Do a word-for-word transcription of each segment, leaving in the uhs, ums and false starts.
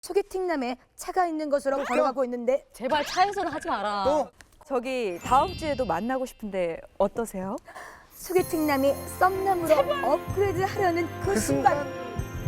소개팅남에 차가 있는 것으로 걸어가고 있는데 제발 차에서는 하지 마라. 또? 저기 다음 주에도 만나고 싶은데 어떠세요? 소개팅남이 썸남으로 업그레이드 하려는 그, 그 순간, 순간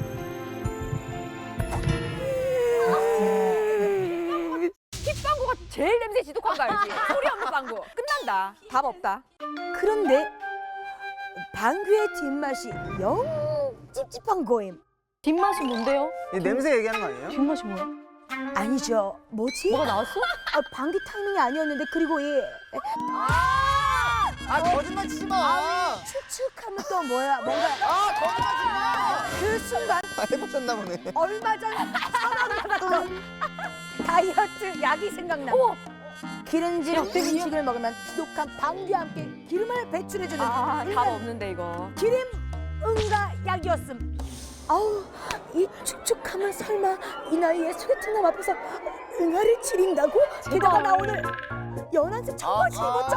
힙방구가 제일 냄새 지독한 거 알지? 소리 없는 방구. 끝난다. 답 없다. 그런데 방귀의 뒷맛이 영 찝찝한 거임. 뒷맛이 뭔데요? 이 냄새 얘기하는 거 아니에요? 뒷맛이 뭐야? 아니죠. 뭐지? 뭐가 나왔어? 아, 방귀 타이밍이 아니었는데 그리고 이 아 거짓말 치지 마. 축축하면 또 뭐야? 뭔가 아 거짓말 치지 마. 그 순간 아, 해보셨나 보네. 얼마 전 선언을 받았던 다이어트 약이 생각나. 기름진 음식을 먹으면 지독한 방귀와 함께 기름을 배출해주는 아, 답 일반 없는데 이거. 기름 응가 약이었음. 아우, 이 축축함은 설마 이 나이에 소개팅남 앞에서 응아를 지린다고? 게다가 나 오늘 연한색 청바지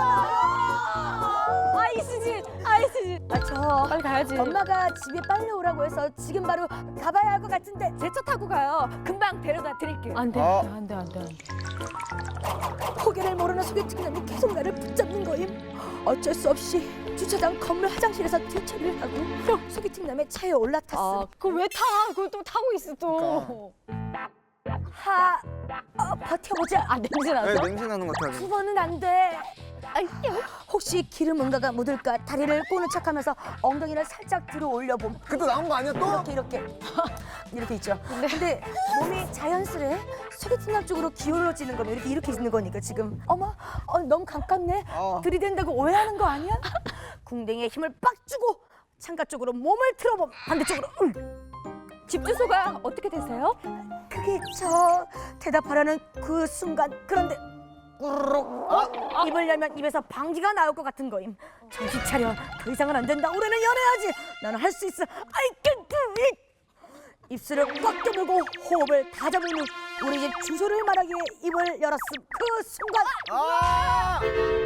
입었잖아. 아이스지, 아이스지. 아, 저 빨리 가야지. 엄마가 집에 빨리 오라고 해서 지금 바로 가봐야 할 것 같은데. 제 차 타고 가요. 금방 데려다 드릴게요. 안 돼, 어. 안 돼, 안 돼, 안 돼. 포기를 모르는 소개팅남이 계속 나를 붙잡는 거임. 어쩔 수 없이 주차장 건물 화장실에서 뒤처리를 하고 소개팅남의 차에 올라탔음. 아, 그걸 왜 타? 그걸 또 타고 있어 또. 하, 어, 버텨보자. 아, 냄새 왜 났어? 냄새 나는 것 같아. 두 번은 안 돼. 혹시 기름 응가가 묻을까 다리를 꼬는 척하면서 엉덩이를 살짝 들어 올려봄. 그때 나온 거 아니야 또? 이렇게 이렇게 이렇게 있죠. 근데 몸이 자연스레 소개팅남 쪽으로 기울어지는 거면 이렇게 이렇게 있는 거니까 지금 어머, 어, 너무 가깝네. 어. 들이댄다고 오해하는 거 아니야? 궁뎅이에 힘을 빡 주고 창가 쪽으로 몸을 틀어봄. 반대쪽으로. 응. 집 주소가 어떻게 되세요? 그게 저 대답하라는 그 순간. 그런데 꾸르륵 어? 입을 열면 입에서 방귀가 나올 것 같은 거임. 정신 차려. 더 이상은 안 된다. 올해는 연애하지. 나는 할 수 있어. I can do it. 입술을 꽉 깨물고 호흡을 다 잡은 후 우리 집 주소를 말하기에 입을 열었음. 그 순간 아!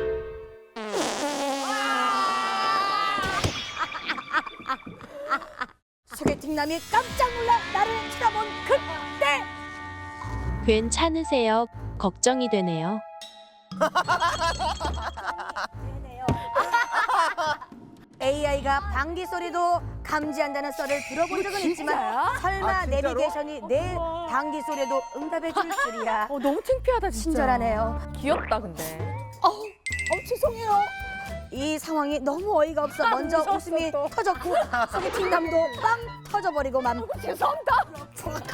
소개팅남이 깜짝 놀라 나를 쳐다본 그때 괜찮으세요? 걱정이 되네요. 에이아이가 방귀 소리도 감지한다는 썰을 들어본 적은 있지만 설마 아, 진짜로? 내비게이션이 내 방귀 소리에도 응답해 줄 줄이야. 어, 너무 창피하다, 진짜. 친절하네요. 귀엽다 근데. 어우, 어, 죄송해요. 이 상황이 너무 어이가 없어 먼저 웃음이 터졌고 소개팅남도 빵 터져버리고 맘. 죄송합니다.